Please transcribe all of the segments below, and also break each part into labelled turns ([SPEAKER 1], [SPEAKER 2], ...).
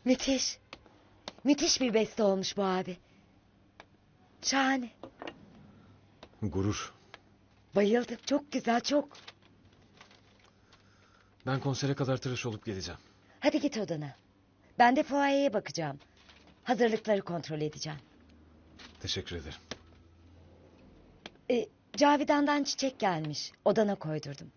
[SPEAKER 1] Müthiş. Müthiş bir beste olmuş bu abi. Şahane.
[SPEAKER 2] Gurur.
[SPEAKER 1] Bayıldım. Çok güzel, çok.
[SPEAKER 2] Ben konsere kadar tıraş olup geleceğim.
[SPEAKER 1] Hadi git odana. Ben de fuayeye bakacağım. Hazırlıkları kontrol edeceğim.
[SPEAKER 2] Teşekkür ederim.
[SPEAKER 1] Cavidan'dan çiçek gelmiş. Odana koydurdum.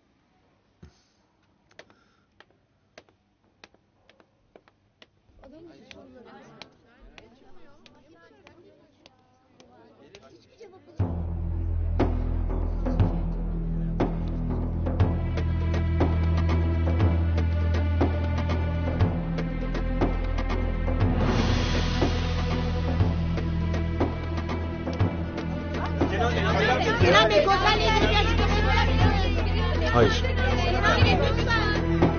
[SPEAKER 3] Kenan Bey, konserle ilgili bir açıklama yapabilir misiniz?
[SPEAKER 2] Hayır.
[SPEAKER 3] Kenan Bey, lütfen.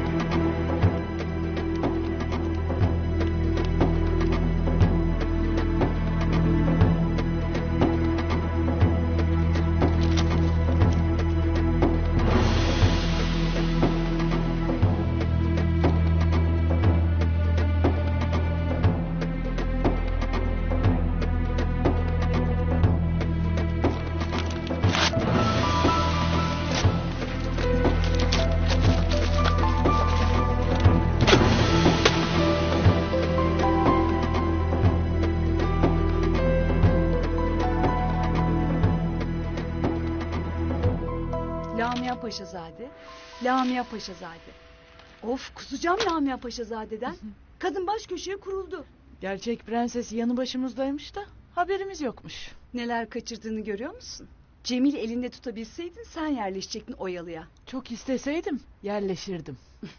[SPEAKER 4] Lamia Paşazade, Lamia Paşazade. Of, kusacağım Lamia Paşazade'den. Kadın baş köşeye kuruldu.
[SPEAKER 5] Gerçek prenses yanı başımızdaymış da haberimiz yokmuş.
[SPEAKER 4] Neler kaçırdığını görüyor musun? Cemil elinde tutabilseydin sen yerleşecektin Oyalı'ya.
[SPEAKER 5] Çok isteseydim yerleşirdim.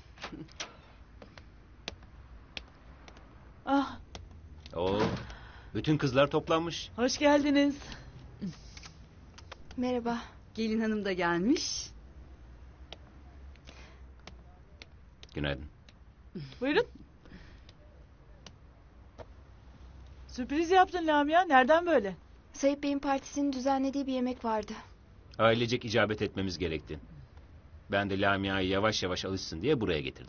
[SPEAKER 5] Ah,
[SPEAKER 6] Oo, bütün kızlar toplanmış.
[SPEAKER 5] hoş geldiniz.
[SPEAKER 3] Merhaba.
[SPEAKER 4] Gelin hanım da gelmiş.
[SPEAKER 6] Günaydın.
[SPEAKER 5] Buyurun. Sürpriz yaptın Lamia. Nereden böyle?
[SPEAKER 3] Sayıp Bey'in partisinin düzenlediği bir yemek vardı.
[SPEAKER 6] Ailecek icabet etmemiz gerekti. Ben de Lamia'yı yavaş yavaş alışsın diye buraya getirdim.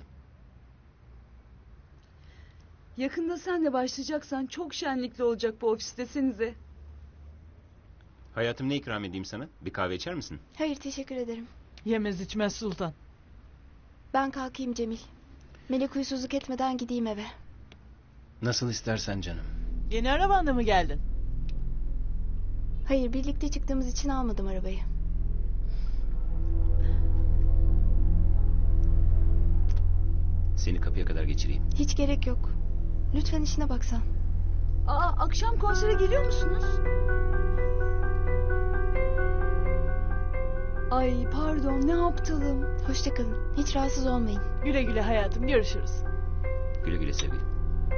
[SPEAKER 4] Yakında sen de başlayacaksan çok şenlikli olacak bu ofis desenize.
[SPEAKER 6] Hayatım, ne ikram edeyim sana? Bir kahve içer misin?
[SPEAKER 3] Hayır, teşekkür ederim.
[SPEAKER 5] Yemez içmez sultan.
[SPEAKER 3] Ben kalkayım Cemil. Melek huysuzluk etmeden gideyim eve.
[SPEAKER 6] Nasıl istersen canım.
[SPEAKER 5] Yeni arabanla mı geldin?
[SPEAKER 3] Hayır, birlikte çıktığımız için almadım arabayı.
[SPEAKER 6] Seni kapıya kadar geçireyim.
[SPEAKER 3] Hiç gerek yok. Lütfen işine baksan.
[SPEAKER 4] Aa, akşam konsere geliyor musunuz? Ay pardon, ne aptalım.
[SPEAKER 3] Hoşça kalın. Hiç rahatsız olmayın.
[SPEAKER 5] Güle güle hayatım, görüşürüz.
[SPEAKER 6] Güle güle sevgilim.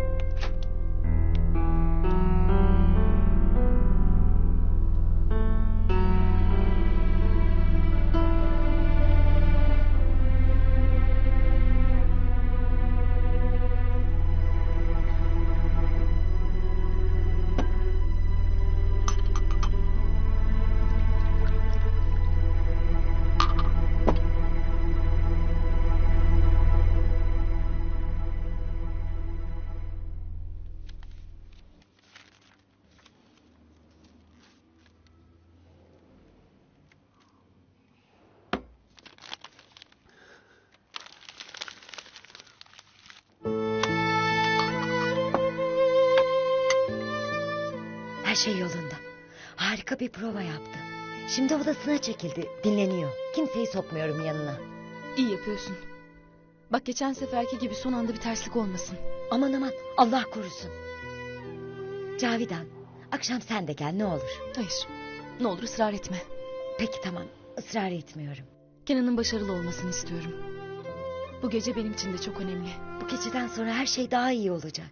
[SPEAKER 1] Her şey yolunda. Harika bir prova yaptı. Şimdi odasına çekildi. Dinleniyor. Kimseyi sokmuyorum yanına.
[SPEAKER 3] İyi yapıyorsun. Bak geçen seferki gibi son anda bir terslik olmasın.
[SPEAKER 1] Aman aman, Allah korusun. Cavidan, akşam sen de gel ne olur.
[SPEAKER 3] Hayır. Ne olur ısrar etme.
[SPEAKER 1] Peki tamam, ısrar etmiyorum.
[SPEAKER 3] Kenan'ın başarılı olmasını istiyorum. Bu gece benim için de çok önemli.
[SPEAKER 1] Bu geceden sonra her şey daha iyi olacak.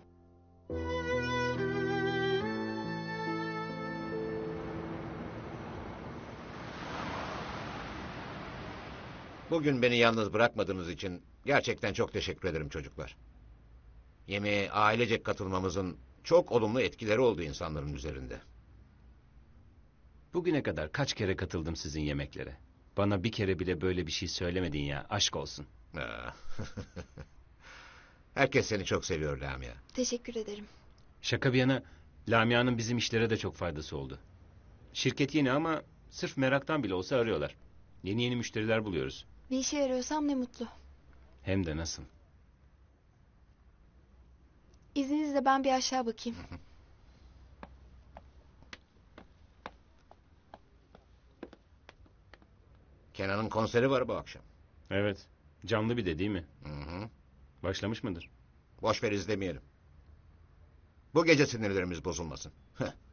[SPEAKER 7] Bugün beni yalnız bırakmadığınız için gerçekten çok teşekkür ederim çocuklar. Yemeğe ailecek katılmamızın çok olumlu etkileri oldu insanların üzerinde.
[SPEAKER 6] Bugüne kadar kaç kere katıldım sizin yemeklere. Bana bir kere bile böyle bir şey söylemedin ya, aşk olsun.
[SPEAKER 7] Herkes seni çok seviyor Lamia.
[SPEAKER 8] Teşekkür ederim.
[SPEAKER 6] Şaka bir yana Lamia'nın bizim işlere de çok faydası oldu. Şirket yeni ama sırf meraktan bile olsa arıyorlar. Yeni yeni müşteriler buluyoruz.
[SPEAKER 8] Bir işe yarıyorsam ne mutlu.
[SPEAKER 6] Hem de nasıl.
[SPEAKER 8] İzninizle ben bir aşağı bakayım.
[SPEAKER 7] Kenan'ın konseri var bu akşam.
[SPEAKER 6] Evet. Canlı bir de değil mi?
[SPEAKER 7] Hı hı.
[SPEAKER 6] Başlamış mıdır?
[SPEAKER 7] Boş ver izlemeyelim. Bu gece sinirlerimiz bozulmasın. Heh.